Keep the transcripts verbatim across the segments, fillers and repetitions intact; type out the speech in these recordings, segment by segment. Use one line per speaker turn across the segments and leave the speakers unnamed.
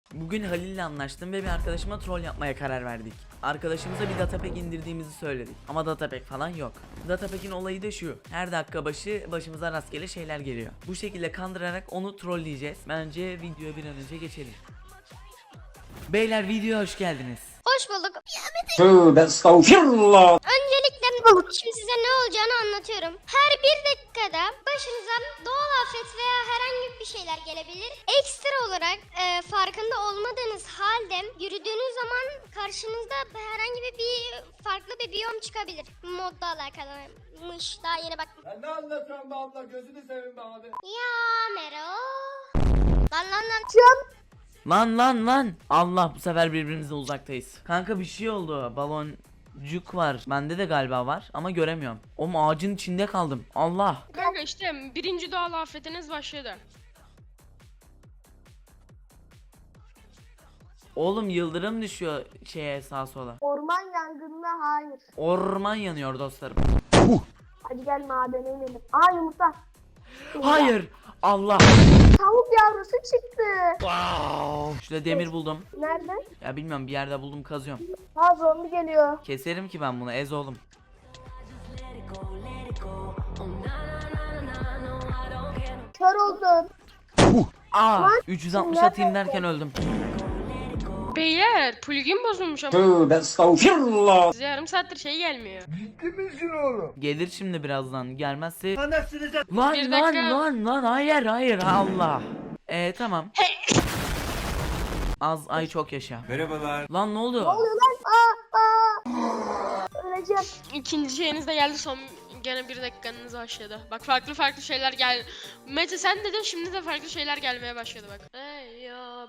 Bugün Halil'le anlaştım ve bir arkadaşıma troll yapmaya karar verdik. Arkadaşımıza bir datapack indirdiğimizi söyledik. Ama datapack falan yok. Datapack'in olayı da şu: her dakika başı başımıza rastgele şeyler geliyor. Bu şekilde kandırarak onu trolleyeceğiz. Bence videoya bir an önce geçelim. Beyler, videoya hoş geldiniz.
Hoş bulduk.
Tövbe estağfirullah.
Öncelikle şimdi size ne olacağını anlatıyorum. Her bir dakikada başınıza doğal afet veya herhangi bir şeyler gelebilir. Ekstra olarak e, farkında olmadığınız halde yürüdüğünüz zaman karşınızda herhangi bir, bir farklı bir biyom çıkabilir. Modla alakalıymış. Daha yeni baktım.
Ya ne anlatıyorsun be abla, gözünü seveyim be abi.
Ya Mero. Lan lan lan. Çöp.
Lan lan lan. Allah, bu sefer birbirimizden uzaktayız. Kanka bir şey oldu. Baloncuk var. Bende de galiba var ama göremiyorum. Oğlum ağacın içinde kaldım. Allah.
Kanka işte birinci doğal afetiniz başladı.
Oğlum yıldırım düşüyor şeye, sağa sola.
Orman yangınına hayır.
Orman yanıyor dostlarım.
Hadi gel madene inelim. Aa yumurta.
Hayır. Allah.
Tavuk yavrusu çıktı.
Şurada demir buldum.
Nerede?
Ya bilmiyorum, bir yerde buldum, kazıyorum.
Ha zombi geliyor.
Keserim ki ben bunu, ez oğlum.
Kör oldum.
Aa, üç yüz altmış atayım derken öldüm.
Beyler plugin bozulmuş ama
Tövbe estağfirullah.
size yarım saattir şey gelmiyor.
Ciddi misin oğlum?
Gelir şimdi birazdan. Gelmezse
Anasını sen.
lan
Bir
lan
dakika.
lan lan hayır hayır Allah. Eee tamam. Az ay çok yaşa.
Merhabalar.
Lan ne oldu?
Ne oluyor lan? Aa aa. Öleceğim.
İkinci şeyiniz de geldi, son gene bir dakikanız başladı. Bak farklı farklı şeyler gel. Mete sen dedin, şimdi de farklı şeyler gelmeye başladı bak. Ey ya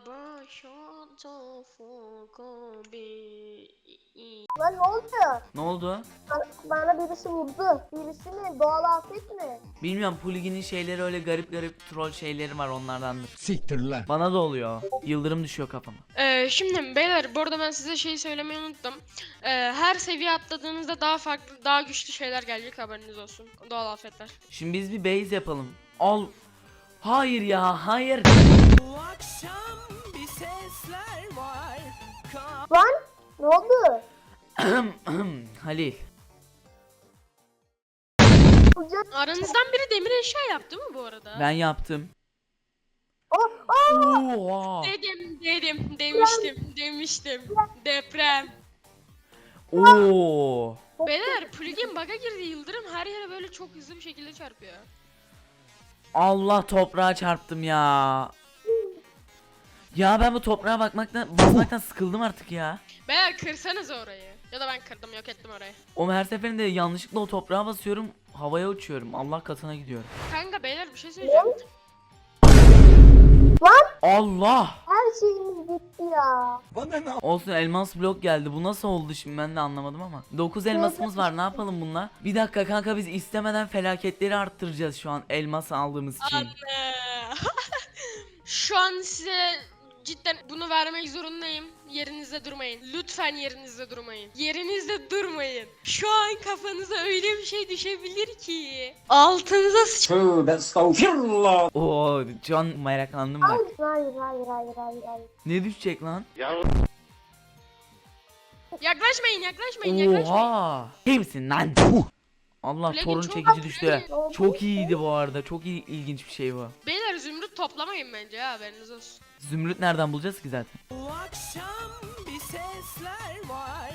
Lan ne oldu?
Ne oldu?
Bana, bana birisi vurdu. Birisi mi? Doğal afet mi?
Bilmiyorum, Plugin'in şeyleri öyle garip garip troll şeyleri var, onlardandır.
Siktir lan.
Bana da oluyor. Yıldırım düşüyor kafama.
Ee, şimdi beyler, bu arada ben size şeyi söylemeyi unuttum. Ee, her seviye atladığınızda daha farklı, daha güçlü şeyler gelecek, haberiniz olsun. Doğal afetler.
Şimdi biz bir base yapalım. Al. Hayır ya, hayır.
Lan ne oldu?
Halil.
Hocam.
Aranızdan biri demir eşya yaptı mı bu arada?
Ben yaptım.
Oh, oh.
Oha.
Dedim, dedim, demiştim, demiştim. Deprem.
Oo.
Beyler, plugin bug'a girdi, yıldırım her yere böyle çok hızlı bir şekilde çarpıyor.
Allah, toprağa çarptım ya. Ya ben bu toprağa bakmaktan basmaktan sıkıldım artık ya.
Beyler kırsanız orayı. Ya da ben kırdım, yok ettim orayı.
O her seferinde yanlışlıkla o toprağa basıyorum, havaya uçuyorum. Allah katına gidiyorum.
Kanka beyler bir şey söyleyeceğim.
Allah.
Her şeyimiz gitti ya.
Bana ne?
Olsun, elmas blok geldi. Bu nasıl oldu şimdi, ben de anlamadım ama. dokuz elmasımız var, ne yapalım bununla? Bir dakika kanka, biz istemeden felaketleri arttıracağız şu an elmas aldığımız için.
Anne. Şu an size cidden bunu vermek zorundayım. Yerinizde durmayın. Lütfen yerinizde durmayın. Yerinizde durmayın. Şu an kafanıza öyle bir şey düşebilir ki. Altınıza sıç...
Tövbe estağfirullah.
Oo, şu an meraklandım bak.
Hayır hayır hayır hayır hayır. hayır.
Ne düşecek lan?
Yaklaşmayın, yaklaşmayın, yaklaşmayın.
Oha. Kimsin lan? Allah,
Plugin
torun
çok
çekici düştü.
iyi.
Çok iyiydi bu arada. Çok iyi, ilginç bir şey bu.
Beyler zümrüt toplamayın bence ya, haberiniz olsun.
Zümrüt nereden bulacağız ki zaten?
Bu akşam bir sesler var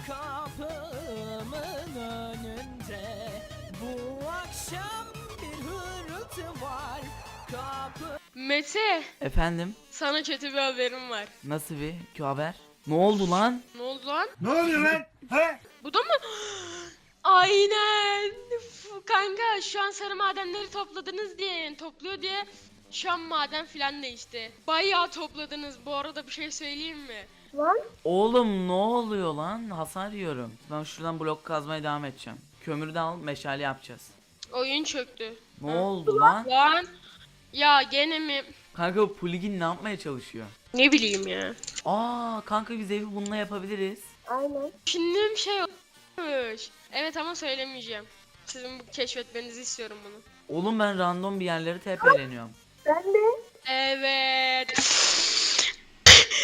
kapımın önünde. Bu akşam bir hırıltı var kapı.
Mete,
Efendim?
sana kötü bir haberim var.
Nasıl bir kötü haber? Ne oldu lan?
Ne oldu lan?
Ne oluyor lan? He?
Bu da mı? Aynen. F- Kanka şu an sarı madenleri topladınız diye, topluyor diye şu an maden filan değişti. Bayağı topladınız. Bu arada bir şey söyleyeyim mi?
Lan
Oğlum ne oluyor lan? Hasar yiyorum. Ben şuradan blok kazmaya devam edeceğim. Kömürü de al, meşale yapacağız.
Oyun çöktü.
Ne oldu lan?
Lan. Ya gene mi?
Kanka bu plugin ne yapmaya çalışıyor?
Ne bileyim ya.
Aa kanka, biz evi bununla yapabiliriz.
aynen.
Düşündüğüm şey olmuş. Evet ama söylemeyeceğim. Sizin bu keşfetmenizi istiyorum bunu.
Oğlum ben random bir yerlere tepeleniyorum.
Ben de.
Evet.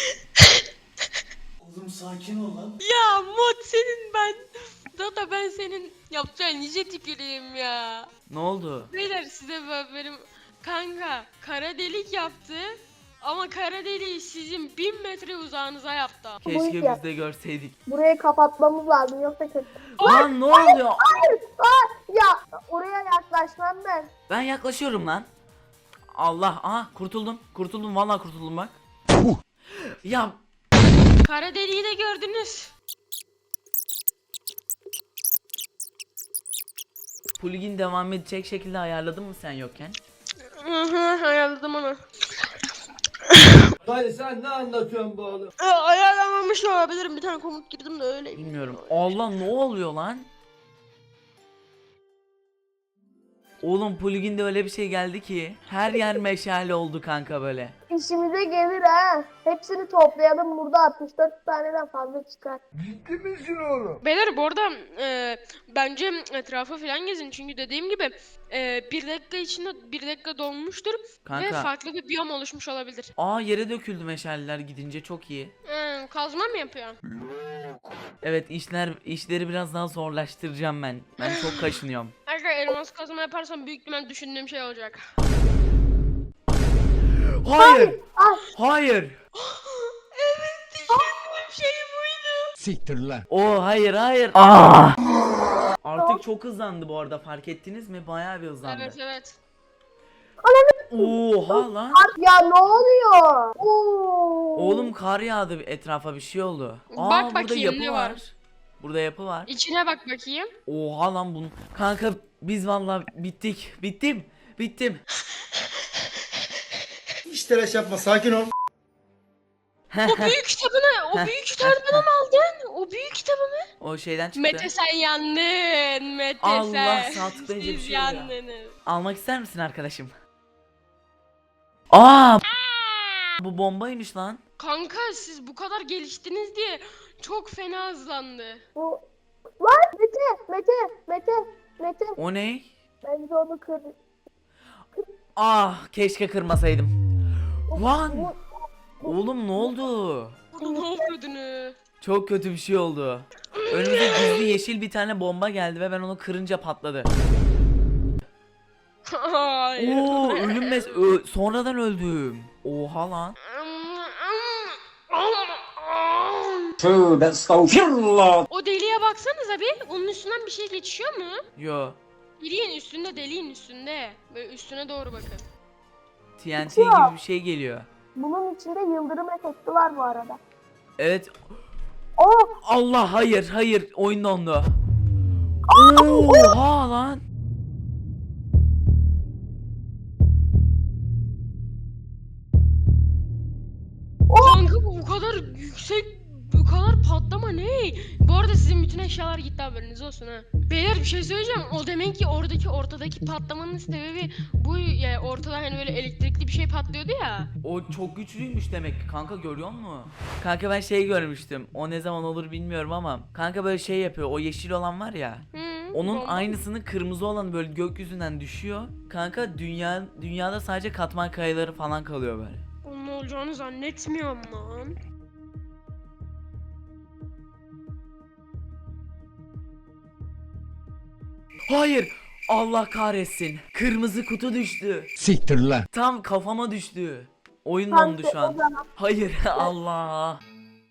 sakin ol lan.
Ya mod senin ben. Data ben senin yapacağın nice tüküreyim ya.
Ne oldu?
Beyler size böyle benim kanka kara delik yaptı. Ama kara deliği sizin bin metre uzağınıza yaptı.
Keşke
ya.
biz de görseydik.
Burayı kapatmamız lazım yoksa kötü.
Lan ne oluyor?
Hayır. Aa, ya oraya yaklaşmam ben.
Ben yaklaşıyorum lan. Allah, aha kurtuldum. Kurtuldum vallahi kurtuldum bak. Ya
Kara deliği de gördünüz.
plugin devam edecek şekilde ayarladın mı sen yokken?
Hı hı ayarladım onu.
Dayı sen ne anlatıyorsun bu oğlum?
Ee, ayarlamamış olabilirim, bir tane komut girdim de öyle.
Bilmiyorum. Allah ne oluyor lan? Oğlum pluginde öyle bir şey geldi ki her yer meşale oldu kanka böyle.
İşimize gelir ha. Hepsini toplayalım burada altmış dört taneden fazla çıkar.
Ciddi misin oğlum?
Beyler bu arada e, bence etrafı falan gezin çünkü dediğim gibi e, bir dakika içinde bir dakika dolmuştur ve
Kanka.
farklı bir biyom oluşmuş olabilir.
Aa yere döküldü meşaleler gidince çok iyi.
E, kazma mı yapıyor?
Evet işler işleri biraz daha zorlaştıracağım ben. Ben çok kaşınıyorum.
Arkadaşlar elmas kazma yaparsam büyük ihtimal düşündüğüm şey olacak.
Hayır.
Ah.
Hayır.
Evet düşündüğüm şey buydu.
Siktir lan.
O hayır hayır. Aa. Artık çok hızlandı bu arada fark ettiniz mi? Bayağı bir hızlandı.
Evet evet.
Oha lan.
Ya ne oluyor? Oo.
Oğlum kar yağdı etrafa bir şey oldu. Aa
Bak
burada
bakayım
yapı
ne
var.
var?
Burada yapı var.
İçine bak bakayım.
Oha lan bunu. Kanka biz vallahi bittik. Bittim. Bittim.
Hiç telaş yapma, sakin ol.
O büyük kitabını, o büyük kitabını mı aldın? O büyük kitabını?
O şeyden çıktı.
Mete sen yandın. Mete
Allah,
sen.
sağ tıklayınca bir
Siz
şey oluyor.
yandınız.
Almak ister misin arkadaşım? Aa! Bu bombaymış lan.
Kanka siz bu kadar geliştiniz diye çok fena hızlandı.
Bu... Lan Mete, Mete, Mete, Mete.
O ne?
Bence onu kır.
Ah, keşke kırmasaydım. Lan! Oğlum ne oldu?
Burada ne yapıyordunuz?
Çok kötü bir şey oldu. Önümüze gizli yeşil bir tane bomba geldi ve ben onu kırınca patladı.
Hayır.
Oo, ölüm mes ö- sonradan öldüm. Oha lan.
Tövbe estağfirullah.
O deliğe baksanıza bir. Onun üstünden bir şey geçiyor mu?
Yo.
Deliğin üstünde, deliğin üstünde. Böyle üstüne doğru bakın.
T N T gibi bir şey geliyor.
Bunun içinde yıldırım efekti var bu arada.
Evet.
Oh!
Allah hayır hayır oyun dondu. Oha lan.
Kanka bu bu kadar yüksek, bu kadar patlama ne? Bu arada sizin bütün eşyalar gitti, haberiniz olsun ha. Beyler bir şey söyleyeceğim. O demek ki oradaki ortadaki patlamanın sebebi bu ya, ortada hani böyle elektrikli bir şey patlıyordu ya.
O çok güçlüymüş demek ki kanka, görüyor musun? Kanka ben şey görmüştüm. O ne zaman olur bilmiyorum ama kanka böyle şey yapıyor. O yeşil olan var ya.
Hı,
Onun
bomba.
aynısının kırmızı olan böyle gökyüzünden düşüyor. Kanka dünya dünyada sadece katman kayaları falan kalıyor böyle.
Onun olacağını zannetmiyorum lan.
Hayır. Allah kahretsin. Kırmızı kutu düştü.
Siktir lan.
Tam kafama düştü. Oyun
Kanka,
dondu şu
o
an.
zaman-
Hayır Allah.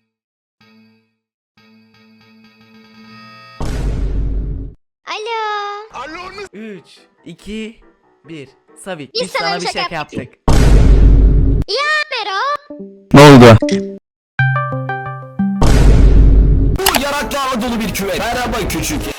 Alo.
üç, iki, bir. Savik
Biz
biz
sana
sana
bir
bir
şaka
şaka yaptık.
Ya Mero.
Ne oldu?
Bu yaraklarla dolu bir küvet. Merhaba küçük.